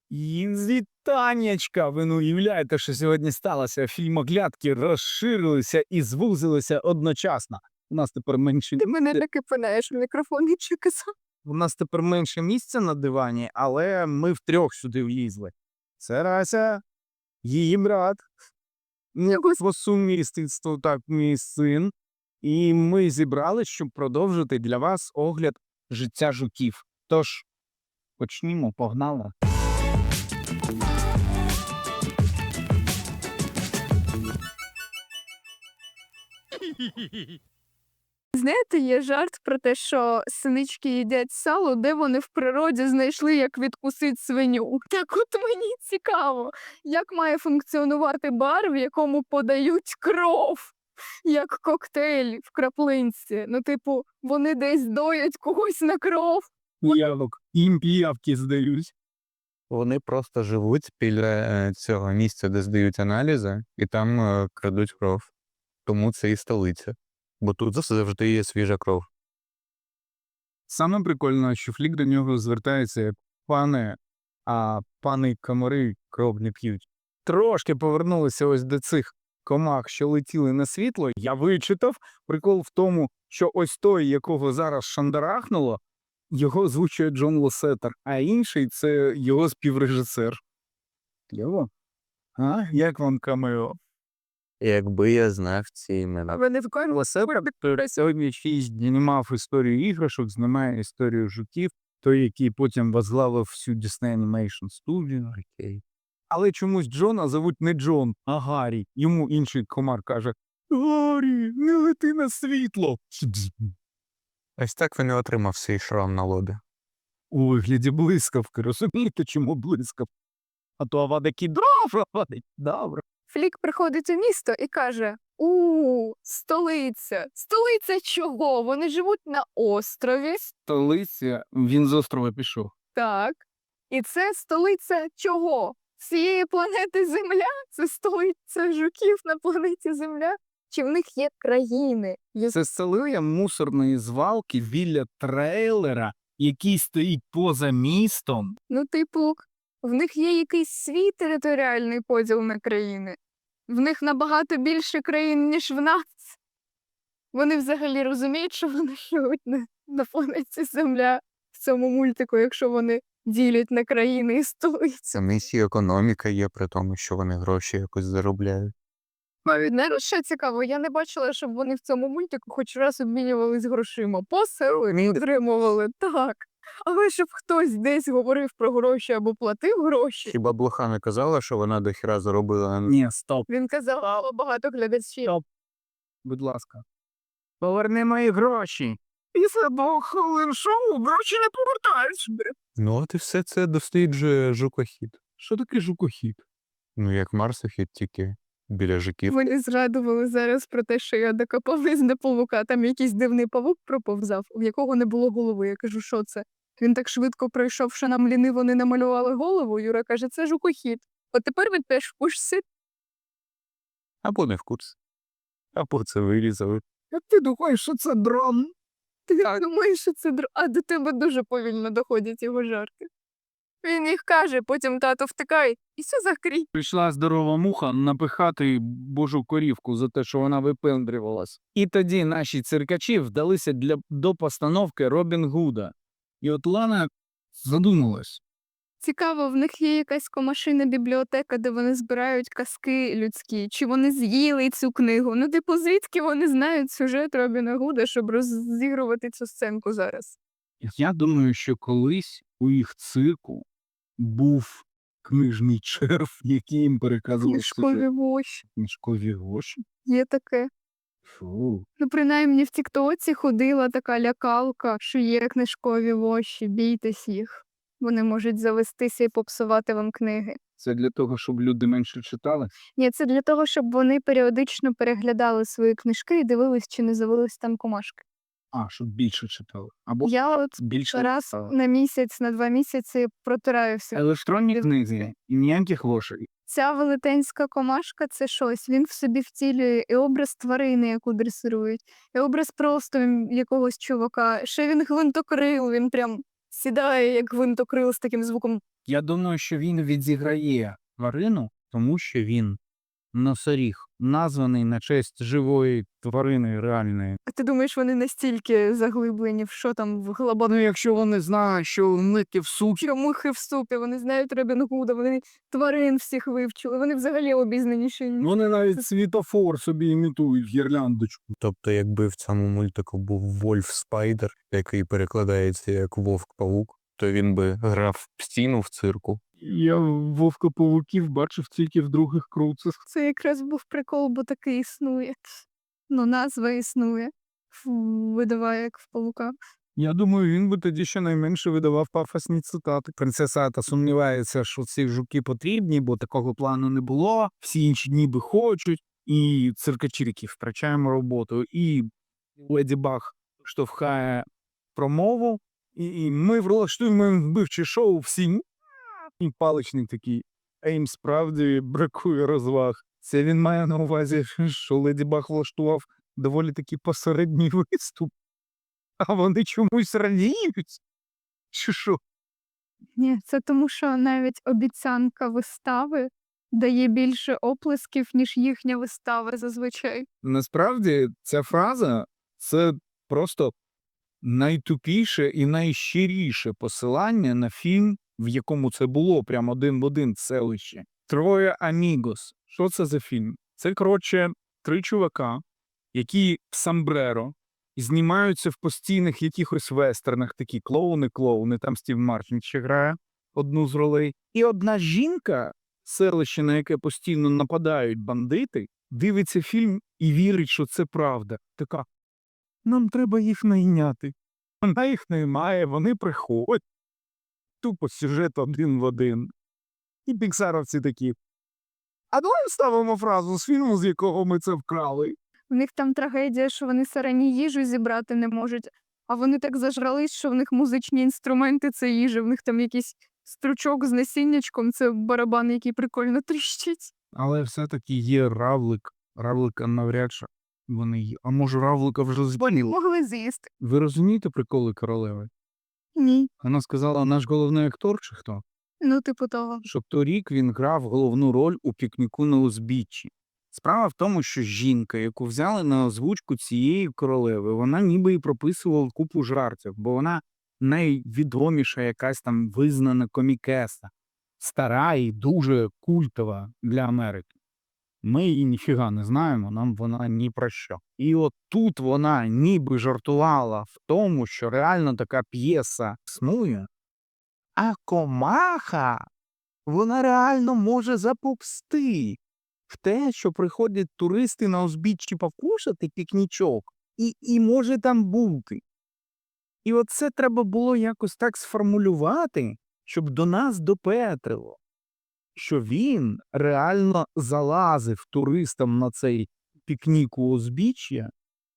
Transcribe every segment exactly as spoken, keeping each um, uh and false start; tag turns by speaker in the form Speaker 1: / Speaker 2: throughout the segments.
Speaker 1: Вітаннячка! Ви не уявляєте, що сьогодні сталося? Фільмоглядки розширилися і звузилися одночасно. У нас тепер менше
Speaker 2: Ти мене
Speaker 1: місця.
Speaker 2: таки пинаєш в мікрофон і чи казав.
Speaker 1: У нас тепер менше місця на дивані, але ми втрьох сюди влізли. Це Рася, її брат, по сумісництву, так, мій син. І ми зібрались, щоб продовжити для вас огляд життя жуків. Тож, почнімо, погнали.
Speaker 2: Знаєте, є жарт про те, що синички їдять сало, де вони в природі знайшли, як відкусити свиню. Так от мені цікаво, як має функціонувати бар, в якому подають кров, як коктейль в краплинці. Ну, типу, вони десь доять когось на кров.
Speaker 1: Піявок. Їм піявки здають.
Speaker 3: Вони просто живуть біля е, цього місця, де здають аналізи, і там е, крадуть кров. Тому це і столиця. Бо тут завжди є свіжа кров.
Speaker 1: Саме прикольно, що Флік до нього звертається як пане, а пани комари кров не п'ють. Трошки повернулися ось до цих комах, що летіли на світло. Я вичитав. Прикол в тому, що ось той, якого зараз шандарахнуло, його озвучує Джон Лосетер, а інший – це його співрежисер. Кльово? А? Як вам камео?
Speaker 3: Якби я знав ці імена.
Speaker 2: Вони в кожному
Speaker 1: Лосетер, який сьогодні шість знімав історію іграшок, знімає історію жуків, той, який потім возглавив всю Disney Animation Studio.
Speaker 3: Окей.
Speaker 1: Але чомусь Джона зовуть не Джон, а Гаррі. Йому інший комар каже: «Гаррі, не лети на світло!»
Speaker 3: Ось так він і отримав свій шрам на лобі.
Speaker 1: У вигляді блискавки. Розумієте, чому блискавка? А то авада кідровра вадить. Добре.
Speaker 2: Флік приходить у місто і каже: у столиця. Столиця чого? Вони живуть на острові.
Speaker 1: Столиця, він з острова пішов.
Speaker 2: Так. І це столиця чого? Всієї планети Земля? Це столиця жуків на планеті Земля? Чи в них є країни? Є-
Speaker 1: Це столиця мусорної звалки біля трейлера, який стоїть поза містом.
Speaker 2: Ну, типу, в них є якийсь свій територіальний поділ на країни. В них набагато більше країн, ніж в нас. Вони взагалі розуміють, що вони живуть на, на планеті Земля в цьому мультику, якщо вони ділять на країни і столиці.
Speaker 3: Це місія економіка є, при тому, що вони гроші якось заробляють.
Speaker 2: Навіть не що цікаво, я не бачила, щоб вони в цьому мультику хоч раз обмінювались грошима. Посили отримували, так. Але щоб хтось десь говорив про гроші або платив гроші,
Speaker 3: Хіба блоха не казала, що вона дохіра заробила?
Speaker 1: Ні, стоп,
Speaker 2: він казав, а багато глядачів.
Speaker 1: Стоп. будь ласка. Поверни мої гроші. Після двох хвилин шоу гроші не повертаються.
Speaker 3: Ну от і все це досліджує жукохід.
Speaker 1: Що таке жукохід?
Speaker 3: Ну як марсохід, тільки біля жуків.
Speaker 2: Вони згадували зараз про те, що я докопались до павука. Там якийсь дивний павук проповзав, в якого не було голови. Я кажу, що це? Він так швидко пройшов, що нам ліниво не намалювали голову. Юра каже, це жукохід. От тепер він теж в курсі.
Speaker 3: Або не в курсі. Або це вирізали.
Speaker 1: Як ти думаєш, що це дрон?
Speaker 2: Ти думаєш, що це др... А до тебе дуже повільно доходять його жарти. Він їх каже, потім тато втикає, і все закрій.
Speaker 1: Прийшла здорова муха напихати божу корівку за те, що вона випендрювалась. І тоді наші циркачі вдалися для, до постановки Робін Гуда. І от Лана задумалась.
Speaker 2: Цікаво, в них є якась комашина бібліотека, де вони збирають казки людські. Чи вони з'їли цю книгу? Ну, типу, звідки вони знають сюжет Робіна Гуда, щоб розігрувати цю сценку зараз?
Speaker 1: Я думаю, що колись у їх цирку був книжний черв, який їм переказував
Speaker 2: Книжкові
Speaker 1: сюжет.
Speaker 2: воші.
Speaker 1: Книжкові гроші?
Speaker 2: Є таке.
Speaker 1: Фу.
Speaker 2: Ну, принаймні, в Тіктоці ходила така лякалка, що є книжкові воші, бійтесь їх. Вони можуть завестися і попсувати вам книги.
Speaker 1: Це для того, щоб люди менше читали?
Speaker 2: Ні, це для того, щоб вони періодично переглядали свої книжки і дивились, чи не завелись там комашки.
Speaker 1: А, щоб більше читали. Або
Speaker 2: Я от
Speaker 1: більше
Speaker 2: раз
Speaker 1: читали.
Speaker 2: на місяць, на два місяці протираю всі.
Speaker 1: Електронні книги і ніяких лошей.
Speaker 2: Ця велетенська комашка – це щось. Він в собі втілює і образ тварини, яку дресирують, і образ просто якогось чувака. Ще він гвинтокрил, він прям сідає, як гвинтокрил з таким звуком
Speaker 1: Я думаю, що він відіграє тварину, тому що він носоріг, названий на честь живої тварини реальної.
Speaker 2: А ти думаєш, вони настільки заглиблені в що там в
Speaker 1: Ну,
Speaker 2: глобальному
Speaker 1: якщо вони знають, що мити в супі,
Speaker 2: мухи в супі, вони знають Робін Гуда, вони тварин всіх вивчили, вони взагалі обізнаніші. ніж-
Speaker 1: вони навіть світофор собі імітують гірляндочку.
Speaker 3: Тобто, якби в цьому мультику був Вольф Спайдер, який перекладається як Вовк-павук, то він би грав стіну в цирку.
Speaker 1: Я вовка-павуків бачив тільки в других круцах.
Speaker 2: Це якраз був прикол, бо таки існує. Ну, назва існує. Фу, видаває, як в павука.
Speaker 1: Я думаю, він би тоді щонайменше видавав пафосні цитати. Принцеса Ата сумнівається, що ці жуки потрібні, бо такого плану не було. Всі інші ніби хочуть, і циркачірки втрачаємо роботу. І Леді Баг штовхає промову, і, і ми влаштуємо вбивче шоу всі. І паличник такий. А їм справді бракує розваг. Це він має на увазі, що Леді Баг влаштував доволі таки посередній виступ. А вони чомусь радіють? Чи що?
Speaker 2: Ні, це тому, що навіть обіцянка вистави дає більше оплесків, ніж їхня вистава зазвичай.
Speaker 1: Насправді ця фраза – це просто найтупіше і найщиріше посилання на фільм, в якому це було прямо один в один в селищі. «Троє амігос». Що це за фільм? Це, коротше, три чувака, які в сомбреро знімаються в постійних якихось вестернах, такі клоуни-клоуни, там Стів Мартін ще грає одну з ролей. І одна жінка, селище, на яке постійно нападають бандити, дивиться фільм і вірить, що це правда. Така, нам треба їх найняти. Вона їх наймає, вони приходять. Тупо сюжет один в один. І піксаровці такі, а давай вставимо фразу з фільму, з якого ми це вкрали.
Speaker 2: В них там трагедія, що вони сарані їжу зібрати не можуть, а вони так зажрались, що в них музичні інструменти – це їжа, в них там якийсь стручок з насіннячком – це барабан, який прикольно тріщить.
Speaker 1: Але все-таки є равлик. Равлика навряд чи вони є. А може равлика вже збаніло?
Speaker 2: Могли з'їсти.
Speaker 1: Ви розумієте приколи королеви?
Speaker 2: Ні.
Speaker 1: Вона сказала, наш головний актор чи хто?
Speaker 2: Ну, типу того.
Speaker 1: Щоб торік він грав головну роль у пікніку на узбіччі. Справа в тому, що жінка, яку взяли на озвучку цієї королеви, вона ніби і прописувала купу жартів, бо вона найвідоміша якась там визнана комікеса. Стара і дуже культова для Америки. Ми її ніфіга не знаємо, нам вона ні про що. І от тут вона ніби жартувала в тому, що реально така п'єса існує, а комаха, вона реально може запопсти в те, що приходять туристи на узбіччі покушати пікнічок, і, і може там бути. І от це треба було якось так сформулювати, щоб до нас допетрило, що він реально залазив туристам на цей пікнік у узбіччя.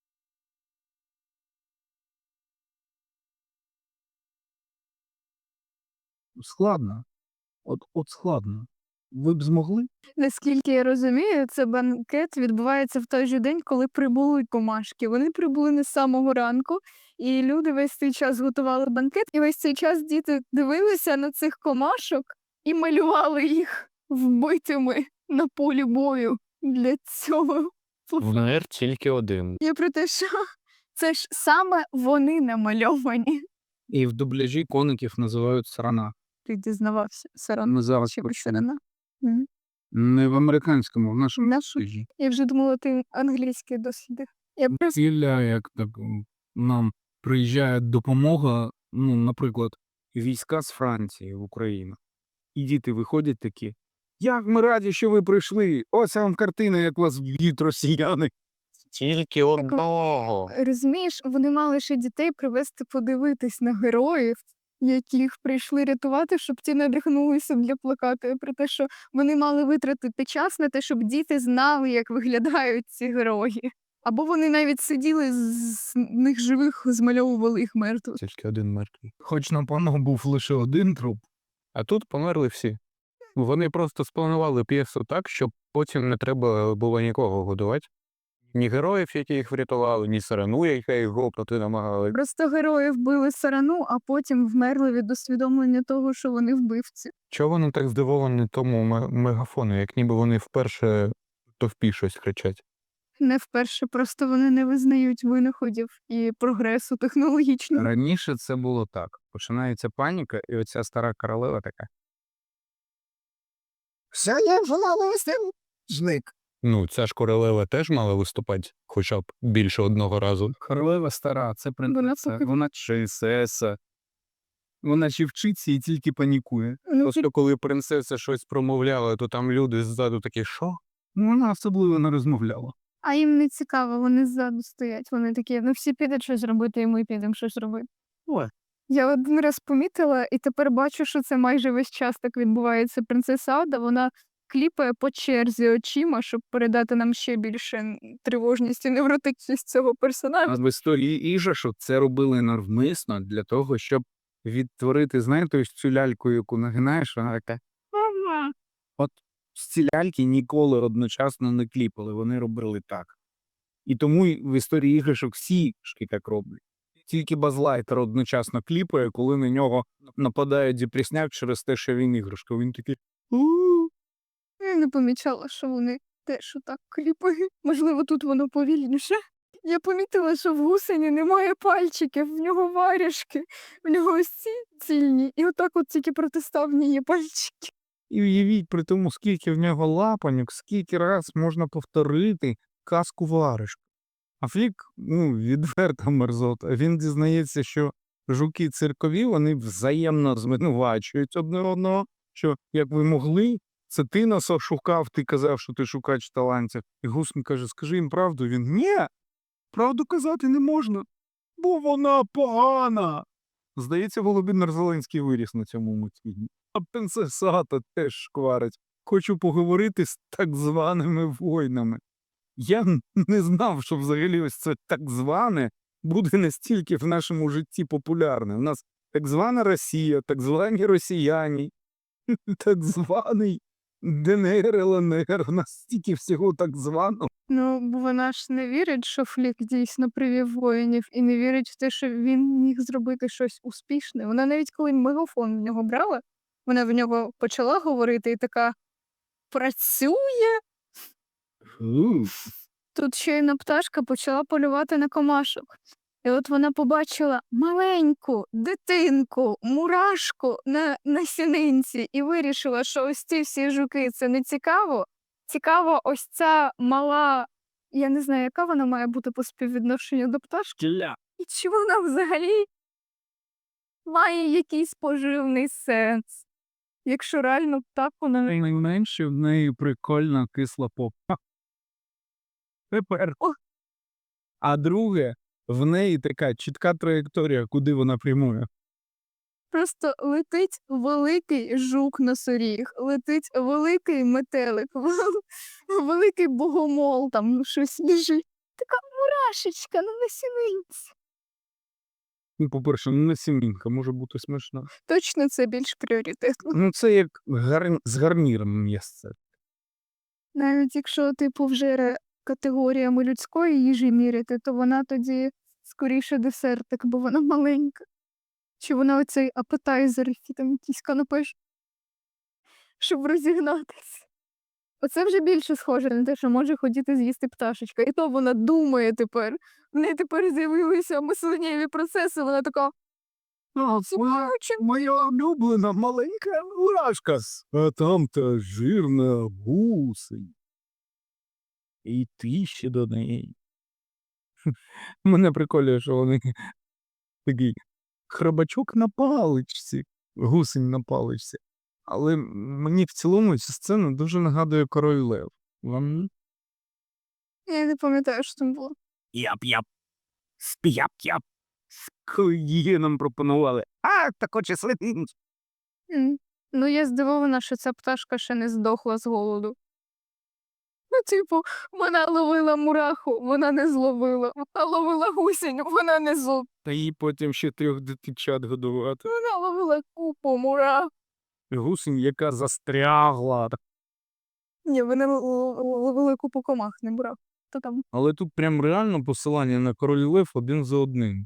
Speaker 1: Складно. От, от складно. Ви б змогли?
Speaker 2: Наскільки я розумію, це банкет відбувається в той же день, коли прибули комашки. Вони прибули не з самого ранку, і люди весь цей час готували банкет, і весь цей час діти дивилися на цих комашок і малювали їх вбитими на полі бою для цього.
Speaker 3: Вмер тільки один.
Speaker 2: Я про те, що це ж саме вони намальовані.
Speaker 1: І в дубляжі коників називають сарана.
Speaker 2: Ти дізнавався, Саран.
Speaker 1: Ми зараз
Speaker 2: Чи
Speaker 1: почуємо.
Speaker 2: Сарана? Мгм.
Speaker 1: Не в американському, в нашому
Speaker 2: В нашому?
Speaker 1: дубляжі.
Speaker 2: Я вже думала, ти англійський дослідив. Я просто
Speaker 1: Ціля, як так м, нам приїжджає допомога, ну, наприклад, війська з Франції в Україну. І діти виходять такі, як ми раді, що ви прийшли. Ось вам картина, як вас б'ють росіяни.
Speaker 3: Тільки одного.
Speaker 2: розумієш, вони мали ще дітей привезти подивитись на героїв, яких прийшли рятувати, щоб ті надихнулися для плакату. Я про те, що вони мали витратити час на те, щоб діти знали, як виглядають ці герої. Або вони навіть сиділи з них живих, змальовували їх мертвих.
Speaker 3: Тільки один мертвий.
Speaker 1: Хоч на пану був лише один труп.
Speaker 3: А тут померли всі. Вони просто спланували п'єсу так, щоб потім не треба було нікого годувати. ні героїв, які їх врятували, ні сарану, яка їх гопнути намагали.
Speaker 2: Просто герої вбили сарану, а потім вмерли від усвідомлення того, що вони вбивці.
Speaker 3: Чого вони так здивовані тому ме- мегафону, як ніби вони вперше товпі щось кричать?
Speaker 2: Не вперше, просто вони не визнають винаходів і прогресу технологічного.
Speaker 1: Раніше це було так. Починається паніка, і оця стара королева така. Все я желала листим. Зник.
Speaker 3: Ну, ця ж королева теж мала виступати хоча б більше одного разу.
Speaker 1: Королева стара, це принцеса,
Speaker 2: поки-
Speaker 1: вона принцеса. Вона чи вчиться і тільки панікує.
Speaker 2: Ну,
Speaker 3: Просто коли принцеса щось промовляла, то там люди ззаду такі, що?
Speaker 1: Ну, вона особливо не розмовляла.
Speaker 2: А їм не цікаво, вони ззаду стоять. Вони такі, ну всі підуть щось робити, і ми підемо щось робити.
Speaker 1: Ой.
Speaker 2: Я один раз помітила, і тепер бачу, що це майже весь час так відбувається. Принцеса Ада, вона кліпає по черзі очима, щоб передати нам ще більше м, тривожність і невротичність цього персонажа.
Speaker 1: А в історії Іжашу це робили навмисно для того, щоб відтворити, знаєте, ось цю ляльку, яку нагинаєш, вона така. «Ага». От ці ляльки ніколи одночасно не кліпали, вони робили так. І тому й в історії іграшок всі шки так роблять. Тільки Базлайтер одночасно кліпає, коли на нього нападає депресняк через те, що він іграшка. Він такий. «У-у-у».
Speaker 2: Я не помічала, що вони теж отак кліпають. Можливо, тут воно повільніше. Я помітила, що в гусені немає пальчиків, в нього варяшки, в нього ось ці цільні, і отак от тільки протиставні є пальчики.
Speaker 1: І уявіть при тому, скільки в нього лапаньок, скільки раз можна повторити казку варишку. А Флік, ну, відверта мерзота. Він дізнається, що жуки циркові, вони взаємно звинувачують одне одного, що як ви могли, це ти нас ошукав, ти казав, що ти шукач талантів. І Гусень каже, скажи їм правду. Він, ні, правду казати не можна, бо вона погана. Здається, Володимир Зеленський виріс на цьому мультфільмі. А принцеса Ата теж шкварить. Хочу поговорити з так званими воїнами. Я н- не знав, що взагалі ось це так зване буде настільки в нашому житті популярне. У нас так звана Росія, так звані росіяни, так званий ДНР, ЛНР, у нас стільки всього так званого.
Speaker 2: Ну, бо вона ж не вірить, що Флік дійсно привів воїнів, і не вірить в те, що він міг зробити щось успішне. Вона навіть коли мегафон в нього брала, вона в нього почала говорити і така працює. Тут щойно пташка почала полювати на комашок. І от вона побачила маленьку дитинку, мурашку на, на сінинці і вирішила, що ось ці всі жуки це не цікаво. Цікаво, ось ця мала, я не знаю, яка вона має бути по співвідношенню до пташки.
Speaker 1: Кіля.
Speaker 2: І чи вона взагалі має якийсь поживний сенс? Якщо реально так вона не
Speaker 1: Найменше в неї прикольна кисла попа. Тепер.
Speaker 2: О.
Speaker 1: А друге, в неї така чітка траєкторія, куди вона прямує.
Speaker 2: просто летить великий жук-носоріг, летить великий метелик, великий богомол, там щось біжить. Така мурашечка на насінинці.
Speaker 1: Ну, по-перше, не сімінка, може бути смішно.
Speaker 2: Точно це більш пріоритетно.
Speaker 1: Ну, це як гар... з гарніром м'ясце.
Speaker 2: Навіть якщо типу вже ре- категоріями людської їжі міряти, то вона тоді скоріше десертик, бо вона маленька. Чи вона оцей апетайзер, який там якийсь канапеш, щоб розігнатися. Оце вже більше схоже на те, що може хотіти з'їсти пташечка. І то вона думає тепер. В неї тепер з'явилися мисленнєві процеси, вона така,
Speaker 1: А,
Speaker 2: «Смачно».
Speaker 1: моя улюблена маленька мурашка. А там та жирна гусень. І ти ще до неї. Мене приколює, що вони такий хробачок на паличці, гусень на паличці. Але мені в цілому ця сцена дуже нагадує Король Лев. Вам?
Speaker 2: Я не пам'ятаю, що там було.
Speaker 1: Яп-яп. Сп'яп-яп. Коли її нам пропонували. А, так хоче слити.
Speaker 2: М. Ну, я здивована, що ця пташка ще не здохла з голоду. Ну, типу, вона ловила мураху, вона не зловила. Вона ловила гусінь, вона не зловила.
Speaker 1: Та їй потім ще трьох дитичат годувати.
Speaker 2: Вона ловила купу мурах.
Speaker 1: Гусень, яка застрягла.
Speaker 2: Ні, вони л- л- ловили купу комах, не мурах. то там.
Speaker 1: Але тут прям реально посилання на король Лев один за одним.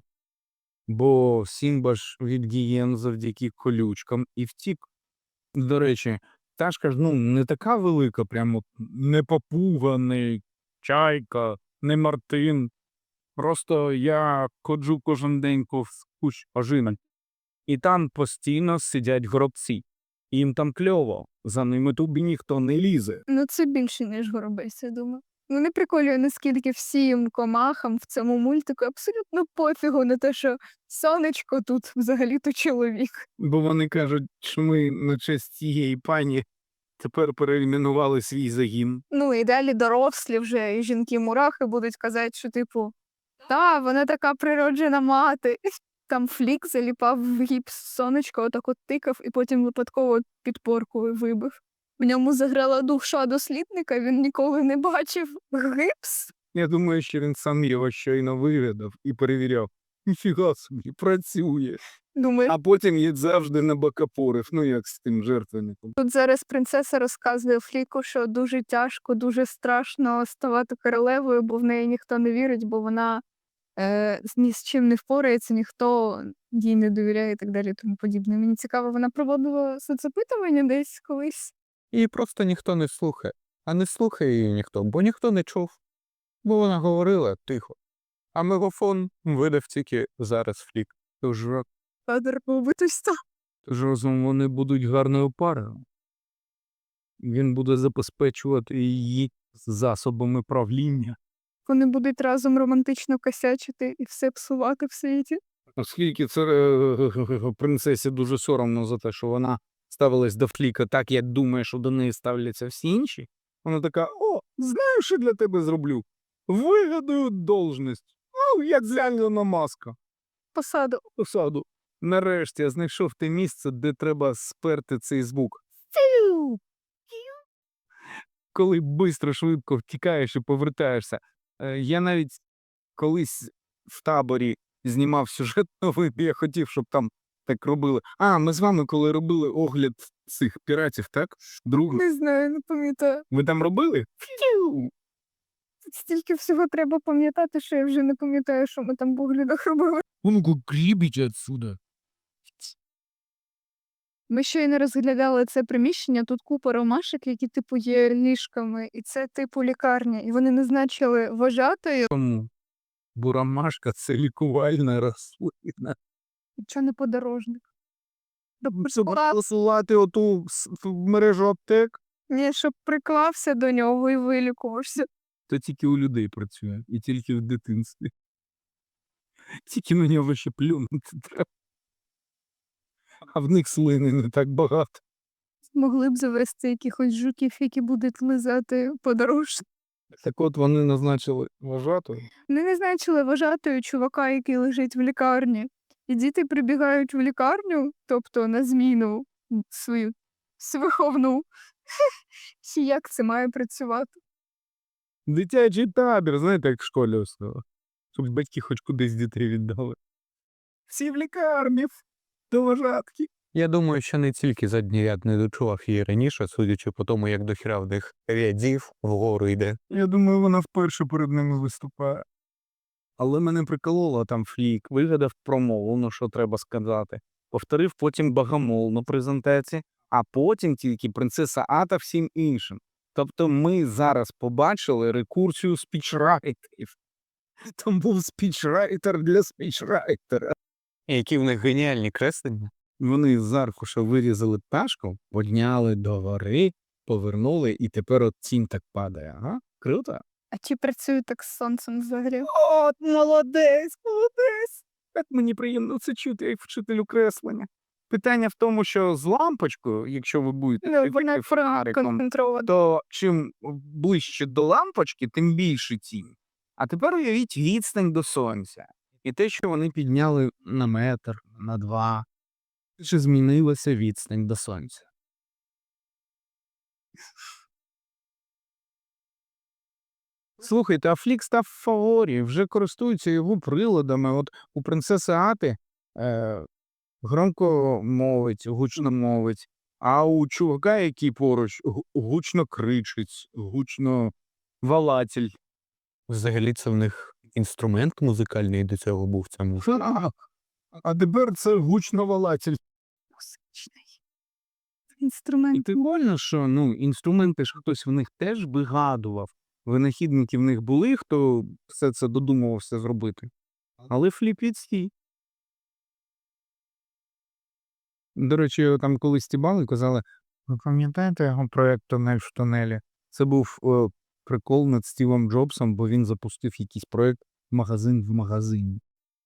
Speaker 1: Бо Сімба ж від гієн завдяки колючкам і втік. До речі, пташка ж ну, не така велика, прямо не папуга, не чайка, не мартин. Просто я ходжу кожен день повз кущ ожина. І там постійно сидять горобці. Їм там кльово, за ними тобі ніхто не лізе.
Speaker 2: Ну, це більше, ніж горобець, я думаю. Мене приколює, наскільки всім комахам в цьому мультику абсолютно пофігу на те, що сонечко тут взагалі-то чоловік.
Speaker 1: Бо вони кажуть, що ми на честь цієї пані тепер перейменували свій загін.
Speaker 2: Ну і далі дорослі вже і жінки-мурахи будуть казати, що типу, та, вона така природжена мати. Там Флік заліпав в гіпс сонечко, отак от тикав, і потім випадково підпоркою вибив. В ньому заграла душа дослідника, він ніколи не бачив гіпс.
Speaker 1: Я думаю, що він сам його щойно вивідав і перевіряв. Ніфіга собі, працює.
Speaker 2: Думаю,
Speaker 1: А потім їх завжди на бокопорив, ну як з тим жертвенником.
Speaker 2: тут зараз принцеса розказує Фліку, що дуже тяжко, дуже страшно ставати королевою, бо в неї ніхто не вірить, бо вона е, ні з чим не впорається, ніхто їй не довіряє і так далі, і тому подібне. Мені цікаво, вона проводила соцопитування десь колись.
Speaker 3: Її просто ніхто не слухає. А не слухає її ніхто, бо ніхто не чув. Бо вона говорила тихо. А мегафон видав тільки зараз Флік.
Speaker 1: Тож,
Speaker 2: Федор побитися.
Speaker 1: тож разом вони будуть гарною парою. Він буде забезпечувати її засобами правління.
Speaker 2: Вони будуть разом романтично косячити і все псувати в світі.
Speaker 1: Оскільки це е, принцесі дуже соромно за те, що вона ставилась до Фліка так, як думає, що до неї ставляться всі інші, вона така: о, знаю, що для тебе зроблю. Вигадую должність. Ну, як для Ілона Маска.
Speaker 2: Посаду.
Speaker 1: Посаду. Нарешті я знайшов те місце, де треба сперти цей звук. Коли бистро, швидко втікаєш і повертаєшся. Е, Я навіть колись в таборі знімав сюжет новий, де я хотів, щоб там так робили. А, ми з вами коли робили огляд цих піратів, так? Другу.
Speaker 2: Не знаю, не пам'ятаю.
Speaker 1: Ви там робили? Фью!
Speaker 2: Тут стільки всього треба пам'ятати, що я вже не пам'ятаю, що ми там в оглядах робили.
Speaker 1: Ну-ка, грібіть отсюда.
Speaker 2: Ми щойно розглядали це приміщення, тут купа ромашок, які типу є ліжками, і це типу лікарня. І вони назначили вважатою.
Speaker 1: Чому? Бо ромашка – це лікувальна рослина.
Speaker 2: Чого не подорожник?
Speaker 1: Щоб посилати оту с- в мережу аптек,
Speaker 2: Ні, щоб приклався до нього і вилікувався.
Speaker 1: то тільки у людей працює. І тільки в дитинстві. Тільки на нього ще плюнути треба. А в них слини не так багато.
Speaker 2: Могли б завести якихось жуків, які будуть лизати подорожник.
Speaker 1: Так от вони назначили вважатою.
Speaker 2: Вони назначили вважатою чувака, який лежить в лікарні. І діти прибігають в лікарню, тобто на зміну свою свиховну. Чи як це має працювати?
Speaker 1: Дитячий табір, знаєте, як в школі основа. Щоб батьки хоч кудись дітей віддали. Всі в лікарні, до вважатки.
Speaker 3: Я думаю, що не тільки задній ряд не дочував її раніше, судячи по тому, як дохіра в них рядів вгору йде.
Speaker 1: Я думаю, вона вперше перед ними виступає. Але мене прикололо там Флік, вигадав промову, ну що треба сказати. Повторив потім Богомол на презентації, а потім тільки принцеса Ата всім іншим. Тобто ми зараз побачили рекурсію спічрайтерів. Там був спічрайтер для спічрайтера.
Speaker 3: І які в них геніальні креслення.
Speaker 1: Вони з аркуша вирізали пташку, підняли до гори, повернули, і тепер от тінь так падає. Ага, круто.
Speaker 2: А чи працює так з сонцем взагалі?
Speaker 1: От, молодець, молодець. Так мені приємно це чути, як вчителю креслення. Питання в тому, що з лампочкою, якщо ви будете
Speaker 2: Ну, вона
Speaker 1: світити фонариком,
Speaker 2: концентрована.
Speaker 1: то чим ближче до лампочки, тим більше тінь. А тепер уявіть відстань до сонця. І те, що вони підняли на метр, на два. Чи змінилася відстань до сонця? Слухайте, а Флік став в фаворі, вже користуються його приладами. От у принцеси Ати е, громко мовить, гучно мовить, а у чувака, який поруч, гу- гучно кричить, гучно валатель.
Speaker 3: Взагалі це в них інструмент музикальний до цього був в цьому.
Speaker 1: А, а тепер це гучноволатель.
Speaker 2: Музичний
Speaker 1: І
Speaker 2: інструмент.
Speaker 1: прикольно, що ну, інструменти ж хтось в них теж вигадував. Винахідники в них були, хто все це додумувався зробити. Але фліп від свій. До речі, його там колись стібали і казали, ви пам'ятаєте його проєкт «Тунель в тунелі»? Це був о, прикол над Стівом Джобсом, бо він запустив якийсь проєкт «Магазин в магазині».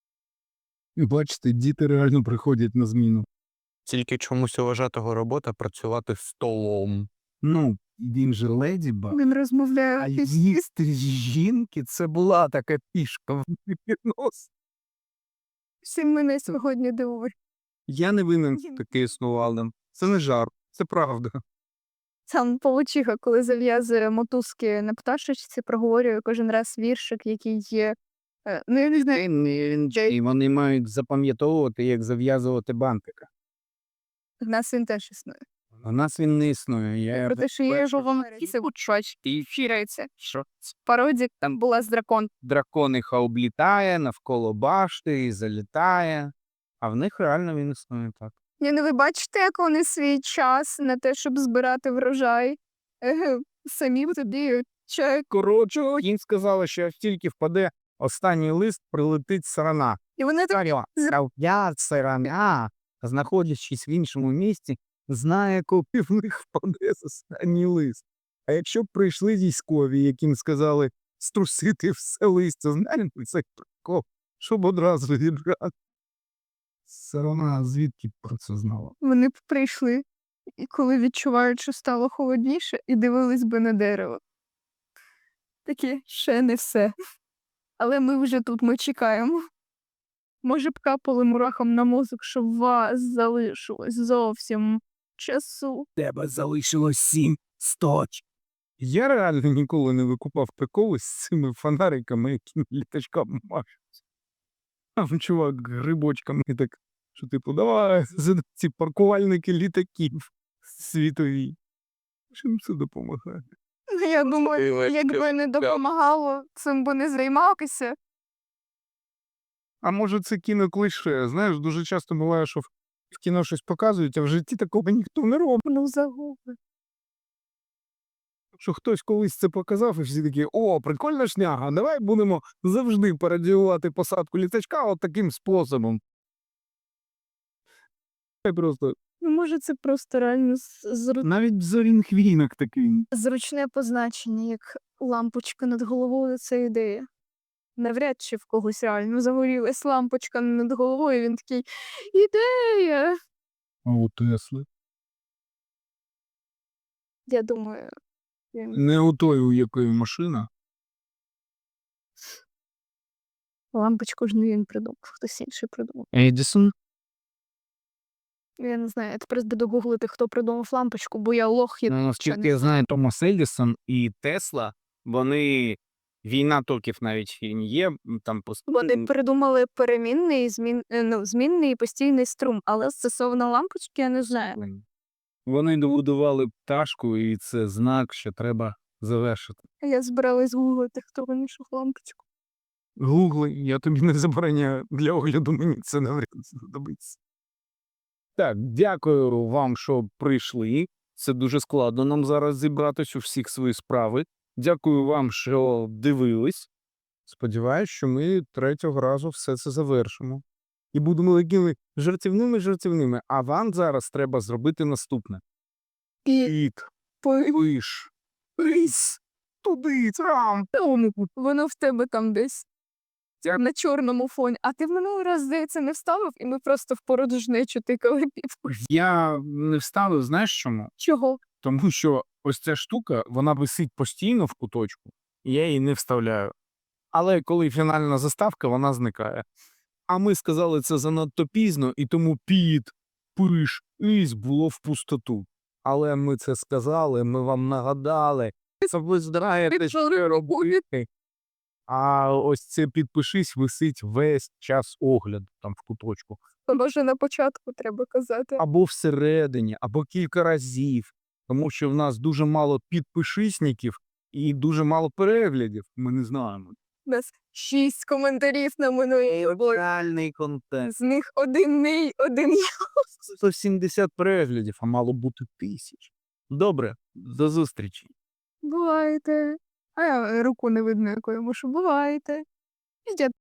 Speaker 1: І бачите, діти реально приходять на зміну.
Speaker 3: Тільки чомусь у вважатого робота працювати столом.
Speaker 1: Ну, він же леді Баг.
Speaker 2: Він розмовляє.
Speaker 1: А
Speaker 2: піс-
Speaker 1: їсти жінки це була така пішка в віднос.
Speaker 2: Всім мене сьогодні дивує.
Speaker 1: Я не винен, що таке існувало. Це не жарт, це правда.
Speaker 2: Сам Павлочиха, коли зав'язує мотузки на пташечці, проговорює кожен раз віршик, який є. е, Ну, я не знаю,
Speaker 1: І вони мають запам'ятовувати, як зав'язувати бантика.
Speaker 2: в нас він теж існує.
Speaker 1: У нас він не існує. Я
Speaker 2: Про те, що є його вам і фірається.
Speaker 1: Що?
Speaker 2: Пародік там була з дракон.
Speaker 1: Дракониха облітає навколо башти і залітає. А в них реально він існує так.
Speaker 2: Ні, ну ви бачите, як вони свій час на те, щоб збирати врожай. Еге, самі собі чай.
Speaker 1: Коротше, їм сказали, що як тільки впаде останній лист, прилетить сарана.
Speaker 2: І вони так
Speaker 1: Я сарана, знаходячись в іншому місці, знає, коли в них впаде останній лист. А якщо б прийшли військові, яким сказали струсити все листя, знаєте, це прикол, щоб одразу відрати. Сарана звідки про це знала?
Speaker 2: вони б прийшли, і коли відчувають, що стало холодніше, і дивились би на дерево. Такі, ще не все. Але ми вже тут, ми чекаємо. Може б капали мурахам на мозок, щоб у вас залишилось зовсім часу.
Speaker 1: Тебе залишилось сім сточ. Я реально ніколи не викупав приколи з цими фонариками, які літачками машуть. Там чувак грибочками так, що типу, давай, за ці паркувальники літаків світові. Чим це допомагає?
Speaker 2: Ну, я думаю, якби не допомагало, цим би не займалися.
Speaker 1: А може це кіноклише? Знаєш, дуже часто буває, що в в кіно щось показують, а в житті такого ніхто не робить.
Speaker 2: Ну, загуби.
Speaker 1: Що хтось колись це показав, і всі такі, о, прикольна шняга, давай будемо завжди пародіювати посадку літачка от таким способом. Це просто
Speaker 2: Ну, може, це просто реально з- зру-
Speaker 1: навіть зорінг-вінок такий.
Speaker 2: зручне позначення, як лампочка над головою, це ідея. Навряд чи в когось реально загорілась лампочка над головою, він такий ідея.
Speaker 1: А у Тесли?
Speaker 2: Я думаю, він
Speaker 1: Не у той, у якої машина.
Speaker 2: лампочку ж не він придумав, хтось інший придумав.
Speaker 1: Едісон?
Speaker 2: Я не знаю, я тепер буду гуглити, хто придумав лампочку, бо я лох і
Speaker 1: Ну,
Speaker 2: нічого
Speaker 1: наскільки
Speaker 2: не
Speaker 1: я знаю, Томас Едісон і Тесла, вони війна токів навіть в фільмі є, м, там пос-
Speaker 2: Вони придумали перемінний, змін... е, ну, змінний і постійний струм, але стосовно лампочки я не знаю.
Speaker 1: Вони добудували пташку, і це знак, що треба завершити.
Speaker 2: Я збиралась гуглити, хто винайшов лампочку.
Speaker 1: Гугли, я тобі не забороняю. Для огляду мені це навряд знадобиться. Так, дякую вам, що прийшли. Це дуже складно нам зараз зібратись у всіх свої справи. Дякую вам, що дивились. Сподіваюсь, що ми третього разу все це завершимо. І будемо такими жартівними-жартівними. А вам зараз треба зробити наступне.
Speaker 2: І
Speaker 1: Кіт, пиш, рись, туди, там.
Speaker 2: воно в тебе там десь
Speaker 1: Дякую.
Speaker 2: на чорному фоні. А ти в минулий раз, здається, не вставив, і ми просто в порожнечу тикали півку.
Speaker 1: Я не вставив, знаєш чому?
Speaker 2: Чого?
Speaker 1: Тому що ось ця штука, вона висить постійно в куточку, і я її не вставляю. Але коли фінальна заставка, вона зникає. А ми сказали це занадто пізно, і тому піт, пиш, ись було в пустоту. Але ми це сказали, ми вам нагадали. Це ви знаєте, що робити. А ось це підпишись висить весь час огляду там в куточку.
Speaker 2: Може, на початку треба казати.
Speaker 1: Або всередині, або кілька разів. Тому що в нас дуже мало підпишисників, і дуже мало переглядів. Ми не знаємо.
Speaker 2: У нас шість коментарів на минулій.
Speaker 1: Реальний контент.
Speaker 2: З них один мій, один я.
Speaker 1: сто сімдесят переглядів, а мало бути тисяч. Добре, до зустрічі.
Speaker 2: Бувайте. А я руку не видно, якою мушу. Бувайте. Ідіть.